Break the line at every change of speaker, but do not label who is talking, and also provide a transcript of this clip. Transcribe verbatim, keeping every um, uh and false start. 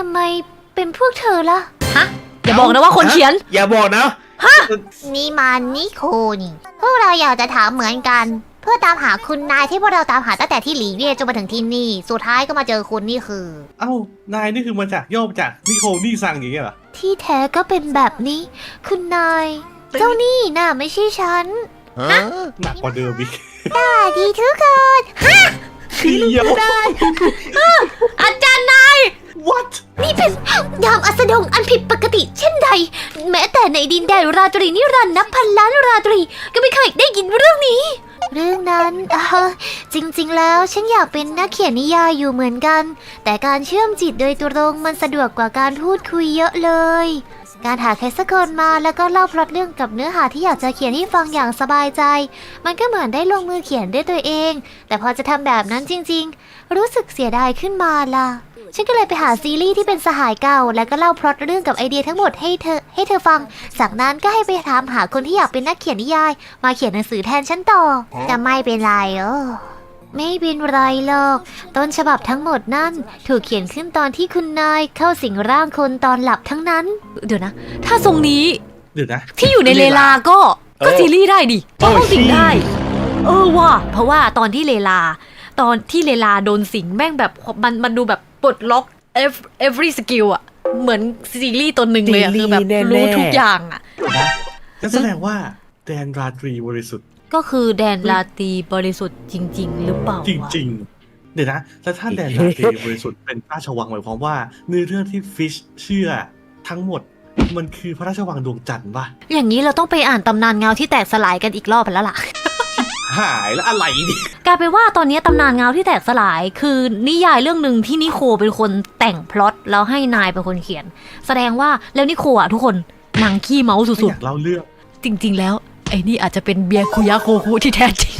ำไมเป็นพวกเธอล่ะฮะ
อย่าบอกนะว่าคนเขียน
อย่าบอกนะ
ฮะ
นี่มันนิโคนี่พวกเราอยากจะถามเหมือนกันเพื่อตามหาคุณนายที่พวกเราตามหาตั้งแต่ที่หลีเวียจนมาถึงที่นี่สุดท้ายก็มาเจอคุณนี่คือ
เอ้านายนี่คือมาจากย่อมาจากนิโคลนี่ซังอย่างเงี้ยเหรอ
ที่แท้ก็เป็นแบบนี้คุณนายเจ้านี่น่ะไม่ใช่ฉัน
หนักกว่าเดิมอีก
สวัสดีทุกคนฮะ
เดียวได้
อาจารย์นาย
what
นี่เป็นยามอัสดงอันผิดปกติเช่นใดแม้แต่ในดินแดนราตรีนิรันดร์นับพันล้านราตรีก็ไม่เคยได้ยินเรื่องนี้เรื่องนั้นเออจริงๆแล้วฉันอยากเป็นนักเขียนนิยายอยู่เหมือนกันแต่การเชื่อมจิตโดยตรงมันสะดวกกว่าการพูดคุยเยอะเลยการหาใครสักคนมาแล้วก็เล่าพล็อตเรื่องกับเนื้อหาที่อยากจะเขียนให้ฟังอย่างสบายใจมันก็เหมือนได้ลงมือเขียนด้วยตัวเองแต่พอจะทำแบบนั้นจริงๆรู้สึกเสียดายขึ้นมาล่ะฉันก็เลยไปหาซีรีส์ที่เป็นสหายเก่าแล้วก็เล่าพล็อตเรื่องกับไอเดียทั้งหมดให้เธอให้เธอฟังจากนั้นก็ให้ไปถามหาคนที่อยากเป็นนักเขียนนิยายมาเขียนหนังสือแทนฉันต่อแต่ไม่เป็นไรเออไม่เป็นไรหรอกต้นฉบับทั้งหมดนั่นถูกเขียนขึ้นตอนที่คุณนายเข้าสิงร่างคนตอนหลับทั้งนั้น
เดี๋ยวนะถ้าทรงนี้
เดี๋ยวนะ
ที่อยู่ในเลลาก็ก็ซีรีส์ได้ดิก็เข้าสิงได้เออว่ะเพราะว่าตอนที่เลลาตอนที่เลลาโดนสิงแม่งแบบมันมันดูแบบปลดล็อก every skill อะเหมือนซีรีส์ตัวหนึ่งเลยอะคือแบบรู้ทุกอย่างอะ
นั่นแสดงว่าแดนราตรีบริสุทธิ์
ก็คือแดนราตรีบริสุทธิ์จริงๆหรือเปล่า
จริงๆเดี๋ยวนะแล้วถ้าแดนราตรีบริสุทธิ์เป็นพระราชวังหมายความว่าเนื้อเรื่องที่ฟิชเชื่อทั้งหมดมันคือพระราชวังดวงจันทร์ป่ะ
อย่างนี้เราต้องไปอ่านตำนานเงาที่แตกสลายกันอีกรอบแล้วล่ะ
หายแล้วอะไรดิ
กลายเป็นว่าตอนนี้ตำนานเงาที่แตกสลายคือนิยายเรื่องหนึ่งที่นิโคเป็นคนแต่งพล็อตแล้วให้นายเป็นคนเขียนแสดงว่าแล้วนิโคอ่ะทุกคนนางขี้เมาสุดๆ
อยากเล่าเรื่อง
จริงๆแล้วไอ้นี่อาจจะเป็นเบียร์คุยะโคคุที่แท้จริง